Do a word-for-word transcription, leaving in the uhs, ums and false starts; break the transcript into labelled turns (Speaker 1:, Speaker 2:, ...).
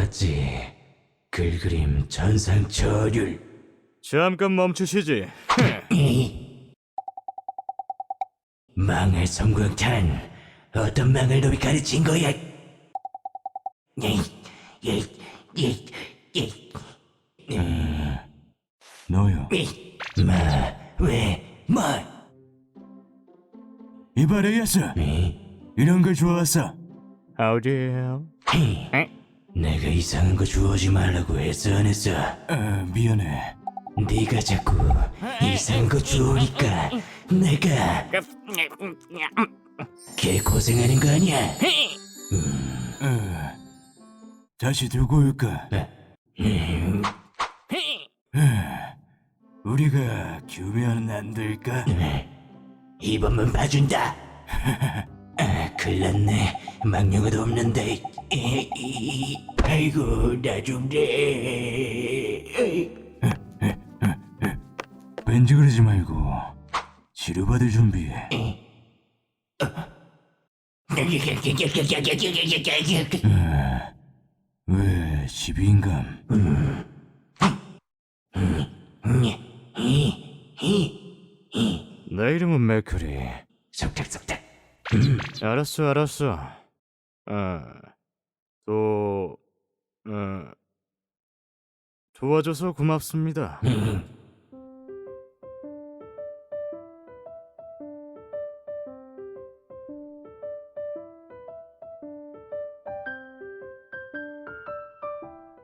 Speaker 1: 봤지. 글그림 전상철율.
Speaker 2: 잠깐 멈추시지.
Speaker 1: 망할 성광탄. 어떤 망할 놈이 가르친 거야? 에이, 에이, 에이, 에이.
Speaker 3: 너요.
Speaker 1: 에이, 마, 왜, 뭐?
Speaker 3: 이발이었어.
Speaker 1: 에이,
Speaker 3: 이런 걸 좋아했어.
Speaker 2: 어디에요?
Speaker 1: 헤이. 내가 이상한 거 주워지 말라고 했어 안 했어?
Speaker 3: 아, 미안해.
Speaker 1: 네가 자꾸 이상한 거 주우니까 내가 개 고생하는 거 아니야?
Speaker 3: 어, 다시 들고 올까?
Speaker 1: 음,
Speaker 3: 우리가 규면 안 될까?
Speaker 1: 이번만 봐준다. 아, 큰일났네. 망령어도 없는데. 이, 이, 아이고 나 좀 돼.
Speaker 3: 왠지 그러지 말고 치료받을 준비해. 아, 왜 시비인감?
Speaker 2: 내 이름은 맥크리.
Speaker 1: 속닥속닥.
Speaker 2: 알았어, 알았어. 아, 또, 어, 도와줘서 고맙습니다.
Speaker 1: 음,